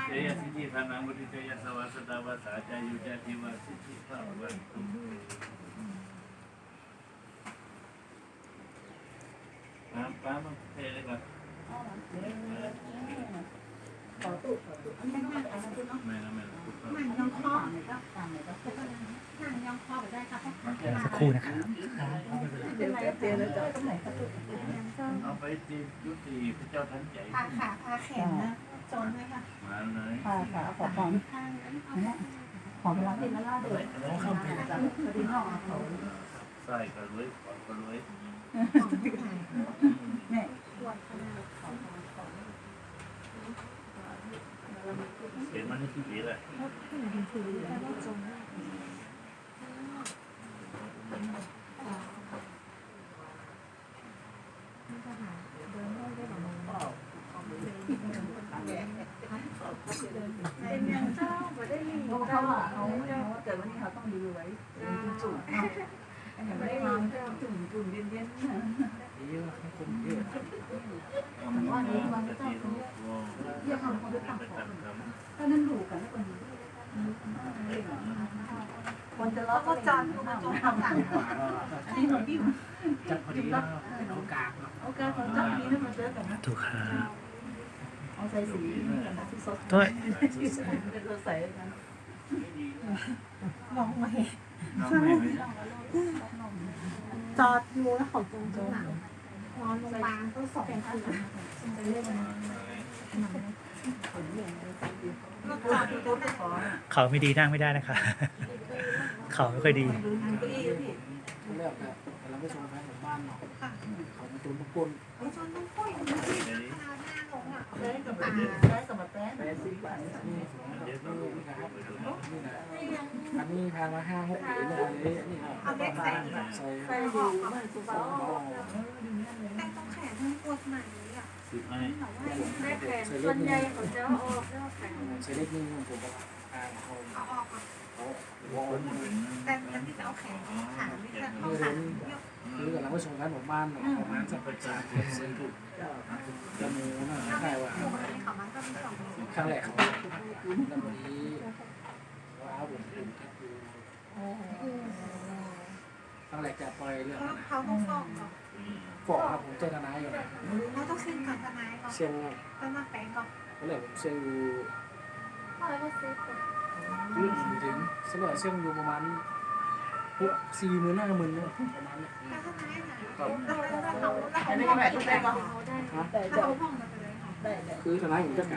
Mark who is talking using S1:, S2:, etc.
S1: เจยสิทธิธานังวุฒิเจยสวัสดาวาสาจายุจาธิวาสิทธิภาวันตุป้ามาเทเลยก่อนไม่นะ
S2: ยังครอบยังครอบได้ค่ะ
S3: สักครู่นะครับ
S1: เอาไปจียุติพระเจ้าทันใจ
S2: พาขาพาแขนนะจนไหมคะ
S1: มาเลย
S4: ค่ะค่ะขอของขอเวลาที่ละล่าเดือดเข้าไปจากพอดีนอกเขา
S1: ใส่ก็รวยขอก็รวย
S4: เนี่ย
S1: เห็นมันที่ดีเลย
S2: เป็นยังเจ้าไม่ได้ยิน
S4: เพราะเขาอ่ะเขาเกิดวันนี้เขาต้องดีไว้จุ่มไม่ได้วางจุ่มเย็นๆว่านี้วันนี้ต้องเรียกคำคนที่ตั้งของก็นั่นถูกกันแล้วคนนี้คนจะล้อก็จอนก็จงทำหลังอันนี้ของพี่จับพอดีเอากากเอากากของจับนี้นะมาเจอกันนะ
S3: ถูกครับ
S4: เอาใส่สีสีสด
S3: ด้วย
S4: เป็นตัวใส่กัน
S2: มองมาเห็น
S1: น้องไม่
S2: จอดอยู่แล้วเขาจงหลังนอนโรงพยาบาลก็2 คืนจะเรียกว่าก็จอดอยู่ตรงนั้น
S3: เขาไม่ดีนั่งไม่ได้นะคะ เขาไม่ค่อยดี
S4: เก้าอี้พี่
S5: เลือกแบบแต่เราไม่ชมแฟนของบ้านเนาะเขามาตุนทุกคน
S2: ไอ้จนต้องค่อยมันที่ขนาดหน้าลงอ่ะ
S4: ได้กับมาได้กับมาแป๊ะได้สีบาท
S5: นี่นี่นะครับนี่นะอันนี้ทานมา5-6 ปีเลยนี่ใส่
S4: ใส่ดีมากสุดยอด
S2: แต่ต้องแขนทั้งปวดไหนอ่ะ
S1: สิบให้
S2: ได้แขนส่วนใหญ่เขาจะออกแล้วแขน
S5: ใส่เล็กนึงผมบอกเขา
S2: เขาออกอ่ะ
S5: เขา
S1: คนเป็น
S2: แต่มันที่จะเอาแขนขาไม่ใช่เอาขาเยอะ
S5: คือกับเราไม่ชมแฟนของบ้านเนาะประมาณสักประจานซื้อถูกจมูกน่าใช่ว่า
S2: ปกติเขามันก็มี2
S5: ครั้งแรกเขาแล้ววันนี้ว่าเอาผมดูแทบดูครั้งแรกจะปล่อยเรื่อง
S2: เขาต้องฟ้องก่อน
S5: ฟอกครับผมเจตนาอยู่นะ
S2: เขาต้องเซ็นกับทนายก่อน
S5: เชียง
S2: แล้วมาแปลงก่อน
S5: ก็เลยผมเชียงอยู่
S2: แล้วก็เซ็นก่อน
S5: ถึงสมัยเชียงอยู่ประมาณ40,000 50,000เนี่ยประมาณนี้
S2: แล้วทนายไหนแล้วเขา
S4: อันนี้ก็แบบได้ก็
S2: ได้
S4: ได้
S2: แล้วเขาห้องมาไปเลย
S4: ได้
S5: คือทนายผมจะ